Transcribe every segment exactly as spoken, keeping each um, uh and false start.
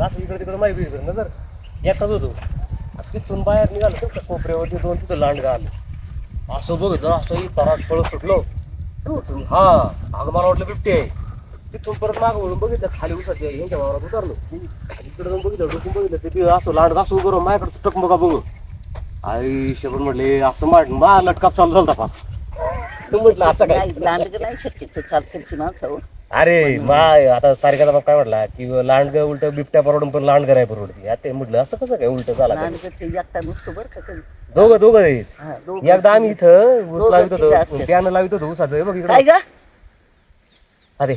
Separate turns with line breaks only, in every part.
असं इकडे तिकडे माहिती ना जर एकटाच होतो तिथून बाहेर निघालो तर कोपऱ्यावरती दोन तिथं लांडगा आलं असं बघितलं असं तराट पळत सुटलो हा अगं मला वाटलं बिबटे आहे तिथून परत मागं वळून बघितलं खाली उसाच्या यांच्या वावरात उतरलो इकडे जाऊन बघितलं डोकून बघितलं ते असं लांडगा असं उभं राहून माझ्याकडचं टकमका बघू आई शेवट म्हटले असं मार मा लटकाप चालू झालता पाच म्हटलं असं काय
लांडग नाही शक्यतो चालते माणसं
अरे मा आता सारिकाचा बाप काय म्हटला की लांडग उलट बिबट्या परवडून पण लांडग आहे परवडती आता ते म्हटलं असं कसं काय उलट झाला
एकटा नुसतं बरं का कधी
दोघं दोघं आहेत
हा, दोघं
एकदा आम्ही इथं ऊस
दोघं
लावित
तिघं
होतो
असतात.
प्यानं लावित होतो ऊसाचं हे बघ
काय
इकडे
ग
अरे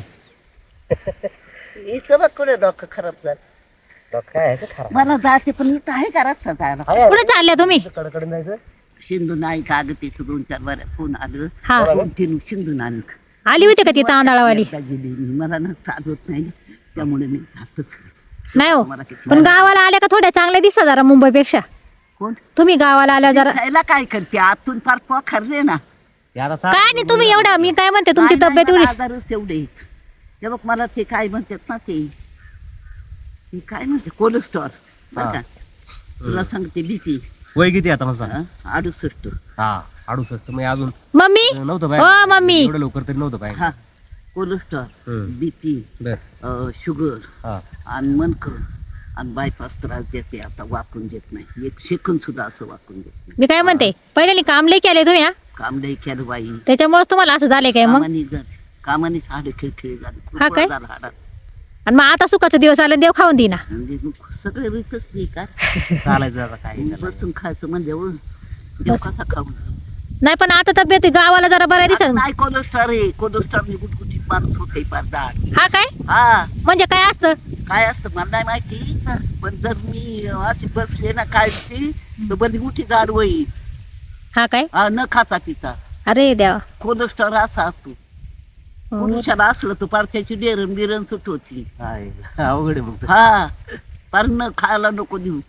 इथं बघ कुठे डोकं खराब झालं
तो काय आहे ते खरा
मला जाते पण इथं आहे का रस्ता जायला
कुठे चालल्या तुम्ही
कडकडे जायचं
सिंधू नाही का अगं तिथं दोन चार बाऱ्या फोन आलं
हा
दोन तीन सिंधू नानी
आली होती का ती तांदळावाली
गेली मी. मला ना साथ होत नाही त्यामुळे मी जास्तच
नाही हो
मला किती
पण गावाला आल्या का थोड्या चांगल्या दिसता जरा मुंबईपेक्षा
कोण
तुम्ही गावाला आल्या जरा
दिसायला काय करते आतून फार पोखरले ना
काय नाही तुम्ही एवढं मी काय म्हणते तुमची
नाही,
तब्येत
नाही,
एवढी
मला आजारच एवढे आहेत ते बघ मला ते काय म्हणतात ना ते ते काय म्हणते कोलेस्ट्रॉल बरं का तुला सांगते बीपी
वय किती आता माझा
अडुसष्ट
हा अडुसष्ट मग अजून
मम्मी
नव्हतं
हो
बाहेर
मम्मी
एवढं लवकर तरी नव्हतं
हा
बाहेर
कोलेस्ट्रॉल
हम्म.
बीपी
बर
शुगर
हा
आणि मनकं आणि बायपास त्रास देते आता वाकून देत नाही एक सेकंद सुद्धा असं वाकून देत नाही
मी काय म्हणते पहिले काम लई केले तुम्ही हा
काम नाही केलं बाई
त्याच्यामुळे तुम्हाला असं झालंय काय मग
कामानी झाले कामानीच हाड खिळखिळी झाली
हा काय?
झालं हाडात
आणि मग आता सुखाचा दिवस आला देव खाऊन देईना
म्हणजे मग सगळे रीतच नाही का
चालायचं आता काय त्याला.
बसून खायचं म्हणजे हो, देव
बस.
कसा खाऊ
नाही पण आता तब्येत गावाला जरा बरं दिसत
नाही कोलेस्ट्रॉल आहे कोलेस्ट्रॉल गुटगुटीत माणूस होते पार दाट
हा काय
हा
म्हणजे काय असतं
काय असतं मला नाही माहिती
हा.
पण जर मी अशी बसले ना कायची तर बरी मोठी गाड होईल
हा काय
हा, न खाता पिता
अरे देवा
कोलेस्ट्रॉल असा असतो पुरुषाला असलं तर पार त्याची डेरण बिरण सुट होती
काय अवघड आहे मग तर.
हा पार न खायला नको देऊ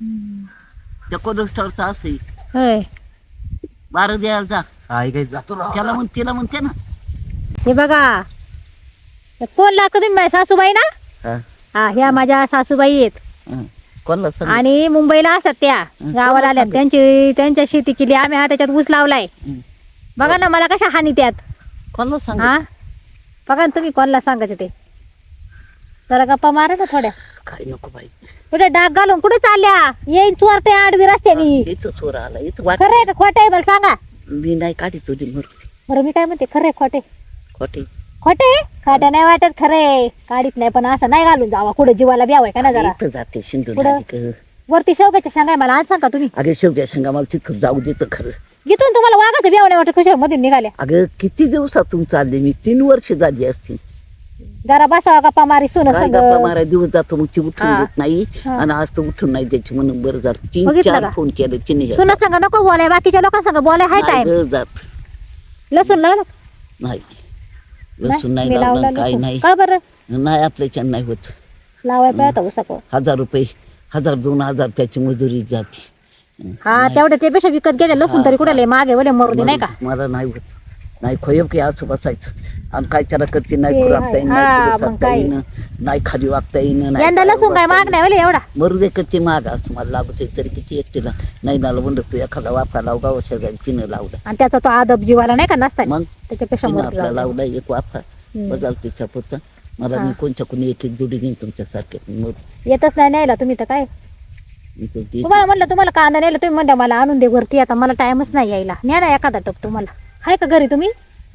त्या कोलेस्ट्रॉलचा असं
होय
बारं द्यायला जा
हा हे काही जातो ना
त्याला म्हण तिला म्हणते ना
हे बघा कोण लागतो तुम्ही माझ्या सासूबाई ना
हा,
हा ह्या माझ्या सासूबाई आहेत
हा. कोणाला सांग
आणि मुंबईला असतात त्या
हं,
गावाला
कोणाला
आल्या
सांगत?
त्यांची त्यांच्या शेती केली आम्ही हा त्याच्यात ऊस लावलाय
हं.
बघा ना मला कशा हानी त्यात
कोणाला सांग
हा बघा ना तुम्ही कोणाला सांगायचं ते जरा गप्पा मारा ना थोड्या
काय नको बाई
कुठे डाग घालून कुठे चालल्या येईन चोरटे आडवी रस्त्यानी
हेच चोर आला हेच वाट
खरं आहे का खोटं आहे मला सांगा
मी नाही काढी तुझी मरुसी
बरं मी काय म्हणते खरं आहे खोटे
खोटे
खोटे खोटं नाही वाटत खरं आहे काढीत नाही पण असं नाही घालून जावा कुठे जीवाला ब्यावाय का ना जरा
इथं जाते सिंधू
पुढं?
नदीकडं.
वरती शेवग्याच्या शेंगा आहे, मला आज सांगा तुम्ही
अगे शेवग्या शेंगा मला तिथं जाऊ देतं खरं
इथून तुम्हाला वाघाचं ब्याव नाही वाटत कशावर मधून निघाल्या
अगं किती दिवसातून चालले मी तीन वर्ष झाली असतील
जरा बसावा गप्पा मारी सुन
काय
संग
गप्पा मारा दिवस जातो मग ती उठून
हा.
देत नाही
हा.
आणि आज तर उठून नाही द्यायची म्हणून बरं झालं तीन
बघितलं
चार
का?
फोन केले तिने
सुना संग नको बोलाय बाकीच्या लोकांसंग बोलाय हाय
नाही
टाइम
गं जात
लसूण लावलं
नाही लसूण नाही
मी
लावलं
लावलं
काय
लसूण.
नाही
का बरं
नाही आपल्याच्यानं नाही होत
लावाय पाहतो उसाको
हजार रुपये हजार दोन हजार त्याची मजुरी जाते
हा तेवढं ते पेक्षा विकत गेले लसूण तरी कुठे मागे वले मरू दे नाही का
मला नाही होत नाही खोयब की असं बसायचं आणि काय त्याला करते नाही
ते
खुरापता येईन
आहे.
नाही
हा,
पुढं
मग
सरकता
काय?
येईन नाही खाली वागता येईन नाही
यंदा
पायावर
लसूण काय
बसता
माग नाही वले एवढा
येईन. मरू दे कच्चे माग असं मला लागत तरी किती एकटीला नाही नाला म्हणलं तू एखादा वाफा लाव गाव शेजारी तिनं लावला
आणि त्याचा तो आदब जीवाला नाही का नसता
मग
त्याच्यापेक्षा
तिनं
मरू
आपला
दे.
लावला एक वाफा
हम्म.
बजाल तिच्या पुरता मला
हा.
मी कोणच्या कोणी एक एक जोडी घेईन तुमच्यासारखे मग
येतच नाही न्यायला तुम्ही तर काय
मी तर ती-
तुम्हाला म्हणलं तुम्हाला कांदा नेला तुम्ही म्हणता मला आणून दे वरती आता मला टाइमच नाही यायला न्या ना एखादा टप तुम्हाला हाय का घरी तुम्ही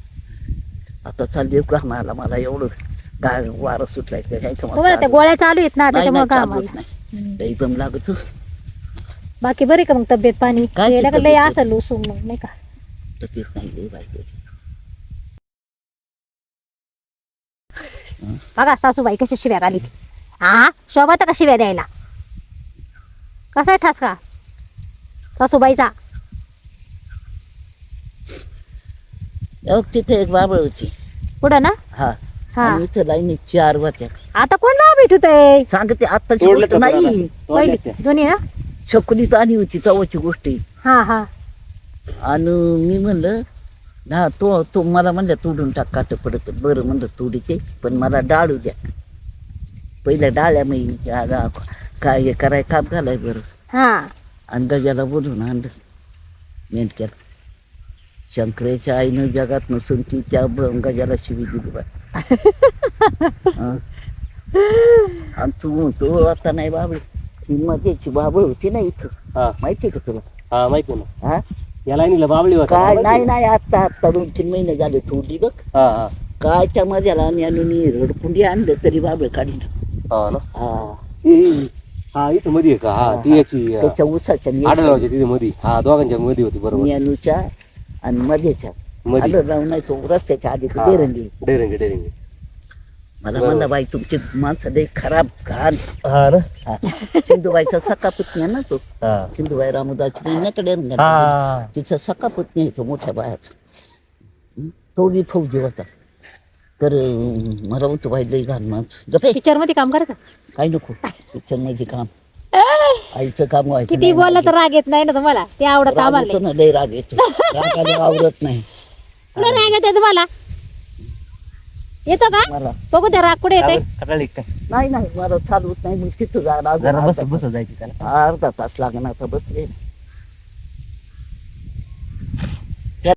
आता चालली का मला मला एवढं गाय वारं सुटलाय तर ह्याच्या
तुम्हाला त्या
मागं
गोळ्या चालू आहेत ना
नाही,
त्याच्यामुळे
नाही,
का
चालवत
आम्हाला
नाही लई दम लागत
बाकी बरी का मग तब्येत पाणी
काय
गेलं का
तब्येत
लय
आहे?
असं लुसून मग नाही का
तब्येत नाही लई बाई
बघा सासूबाई कशी शिव्या घाली ती हा शोभा तर का शिव्या द्यायला कसा आहे ठसका सासूबाईचा
अहो, तिथे एक बाबळ होती
पुढं ना
हा
हा
आणि इथं लाईनी चार होत्या
आता कोण नाव भेटूत आहे
सांगते आत्ताची
तोडलं
गोष्ट
का
नाही
पहिली दोन्ही ना
छकुलीत आली होती तवाची गोष्ट आहे.
हा हा
आणि मी म्हणलं हा तो तो मला म्हणलं तोडून टाक काट पडत बरं म्हणलं तोडी ते पण मला डाळू द्या पहिल्या डाळ्या मी काय हे कराय काम घालाय बरं
हा
आणि गजाला बोलून आणलं मेंढक्याला. शंकराच्या आईनं जगात नसून ती त्या ब- गजाला शिवी दिली बा. हं. आणि तू म्हणतो आता नाही बाबळ ही मध्येची बाबळ होती ना इथं
हा
माहिती का तुला?
हा माहिती आहे ना.
हा
या लाईनीला बाबळी होता
काय
माहिती
नाही
आहे?
नाही आत्ता आत्ता दोन तीन महिने झाले थोडी बघ.
हा हा
काय त्या मध्याला आणून रडकुंडी आणलं तरी बाबळ काढलं.
हा ना.
हा
ए, ए, हा इथं मध्ये आहे का? हा ती याची
त्याच्या उसाच्या
आढळरावच्या तिथे मध्ये हा दोघांच्या मध्ये होती बरोबर.
मेनूच्या आणि मध्येच्या
मध्ये.
आलं राहून नाही तो रस्त्याच्या आधी
हा.
डेरंगी.
डेरंगे डेरंगे.
मला म्हणला बाई तुमची माणसं लई खराब घाण.
हा ना.
हा. सिंधुबाईचा सखा पुतणी आहे ना तो.
हा
सिंधुबाई रामदाची बहिणीकडे
हा
तिचा सखा पुतणी आहे तो मोठ्या बायाचा. हं? तो बी फौजी होता. तर अं, मला म्हणतो बाई लई घाण माणसं गप्पे
पिक्चर मध्ये काम करता
काय नको पिक्चर मध्ये काम आईचं काम व्हायचं
किती
नाही.
बोलला तर राग येत नाही ना तुम्हाला ते आवडत
राग
आम्हाला
येतो ना लई राग येतो राग आल्यावर आवरत नाही
नाही राग येते तुम्हाला येतो का
मला
बघू त्या राग कुठे येते
कटाळी काय
नाही नाही मला चालवत नाही मग तिथं जायला अजून
जरा बस
अर्धा
बस जायची त्याला.
तास- अर्धा तास लागणार आता बसले